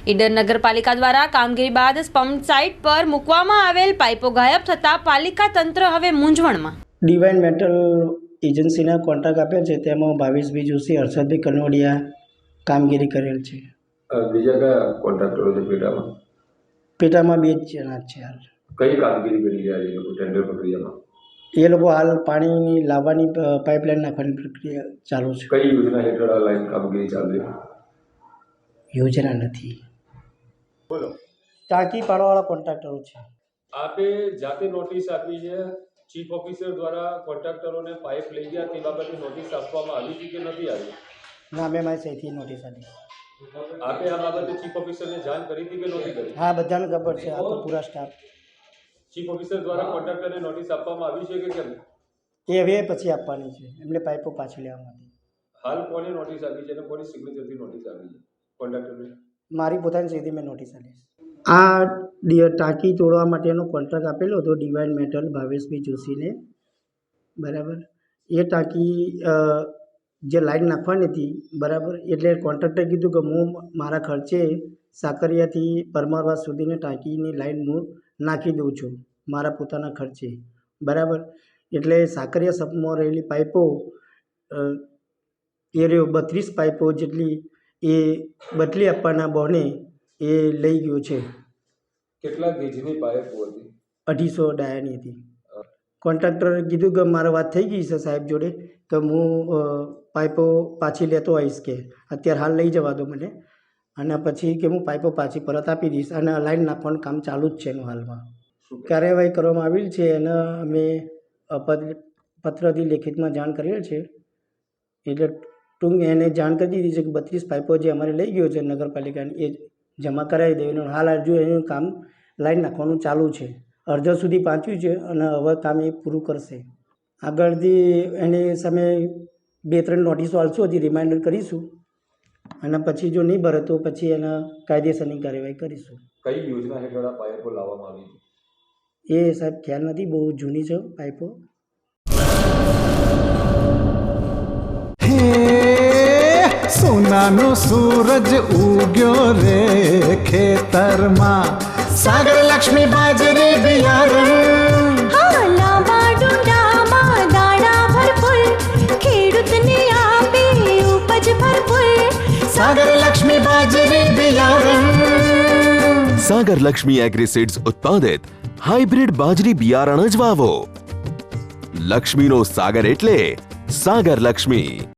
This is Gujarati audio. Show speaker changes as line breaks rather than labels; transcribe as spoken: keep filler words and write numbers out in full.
ઈડર નગરપાલિકા દ્વારા કામગીરી બાદ પંપ સાઇટ પર મૂકવામાં આવેલ પાઇપો ગાયબ થતાં પાલિકા તંત્ર હવે મૂંઝવણમાં.
ડિવાઇન મેટલ એજન્સીના કોન્ટ્રાક્ટ આપ્યા છે, તેમાં ભાવેશભાઈ જોશી, હર્ષદભાઈ કનોડિયા કામગીરી કરેલ છે.
બીજા કયા કોન્ટ્રાક્ટરો છે પેટામાં?
પેટામાં બે જ જણા છે હાલ.
કઈ કામગીરી કરી રહ્યા છે એ લોકો ટેન્ડર પ્રક્રિયામાં?
એ લોકો હાલ પાણીની લાવવાની પાઇપલાઇન નાખવાની પ્રક્રિયા ચાલુ છે.
કઈ યોજના હેઠળ આ લાઈન કામગીરી ચાલુ છે?
યોજના નથી.
બોલો.
ટાંકી પાડવાવાળા કોન્ટ્રાક્ટરો છે.
આપે જાતે નોટિસ આપી છે, ચીફ ઓફિસર દ્વારા કોન્ટ્રાક્ટરોને પાઇપ લઈ ગયા તે બાબતે નોટિસ આપવામાં આવી છે કે નથી આવી?
ના, મેં મારી સહીથી નોટિસ આપી.
આપે આ બાબતે ચીફ ઓફિસરને જાણ કરી હતી કે નહોતી કરી?
હા, બધાને ખબર છે. આ તો પૂરા સ્ટાફ.
ચીફ ઓફિસર દ્વારા કોન્ટ્રાક્ટરને નોટિસ આપવામાં આવી છે કે કેમ?
એ હવે પછી આપવાની છે, એમને પાઇપો પાછી લેવા માટે.
હાલ કોને નોટિસ આપી છે અને કોની સિગ્નેચરથી નોટિસ આપી છે કોન્ટ્રાક્ટરને?
મારી પોતાની સહીથી મેં નોટિસ આપી. આ ટાંકી તોડવા માટેનો કોન્ટ્રાક્ટ આપેલો હતો ડિવાઇન મેટલ ભાવેશભાઈ જોશીને, બરાબર. એ ટાંકી જે લાઈન નાખવાની હતી, બરાબર, એટલે કોન્ટ્રાક્ટરે કીધું કે હું મારા ખર્ચે સાકરિયાથી પરમારવાસ સુધીની ટાંકીની લાઈન હું નાખી દઉં છું મારા પોતાના ખર્ચે, બરાબર. એટલે સાકરિયા સપમાં રહેલી પાઇપો એ રહ્યો બત્રીસ પાઇપો જેટલી એ બદલી આપવાના બહાને એ લઈ ગયો છે.
કેટલા ગેજની પાઇપો હતી?
અઢીસો ડાયાની હતી. કોન્ટ્રાક્ટરે કીધું કે મારે વાત થઈ ગઈ છે સાહેબ જોડે, કે હું પાઇપો પાછી લેતો આવીશ, કે અત્યારે હાલ લઈ જવા દો મને, અને પછી કે હું પાઇપો પાછી પરત આપી દઈશ. અને લાઈન નાખવાનું કામ ચાલુ જ છે એનું હાલમાં. કાર્યવાહી કરવામાં આવેલ છે અને અમે પત્રથી લેખિતમાં જાણ કરેલ છે. એટલે ટૂંક એને જાણ કરી દીધી છે કે બત્રીસ પાઇપો જે અમારે લઈ ગયો છે નગરપાલિકાની એ જમા કરાવી દેવાનું. હાલ હજુ એનું કામ લાઈન નાખવાનું ચાલુ છે. અડધા સુધી પહોંચ્યું છે અને હવે કામ એ પૂરું કરશે. આગળથી એની સામે બે ત્રણ નોટિસો આપશું, હજી રિમાઇન્ડર કરીશું, અને પછી જો નહીં ભરે તો પછી એના કાયદેસરની કાર્યવાહી કરીશું.
કઈ યોજના હેઠળ આ પાઇપો લાવવામાં આવી હતી?
એ સાહેબ ખ્યાલ નથી, બહુ જૂની છે પાઇપો.
સોનાનો સૂરજ ઉગ્યો રે ખેતરમાં, સાગર લક્ષ્મી બાજરી બિયારણ,
હા, લાંબા ડુંડામાં દાણા ભરપૂર, ખેડૂતને આપે ઉપજ ભરપૂર.
સાગર લક્ષ્મી બાજરી બિયારણ.
સાગર લક્ષ્મી એગ્રીસીડ્સ ઉત્પાદિત હાઇબ્રિડ બાજરી બિયારણ જ વાવો. લક્ષ્મીનો સાગર એટલે સાગર લક્ષ્મી.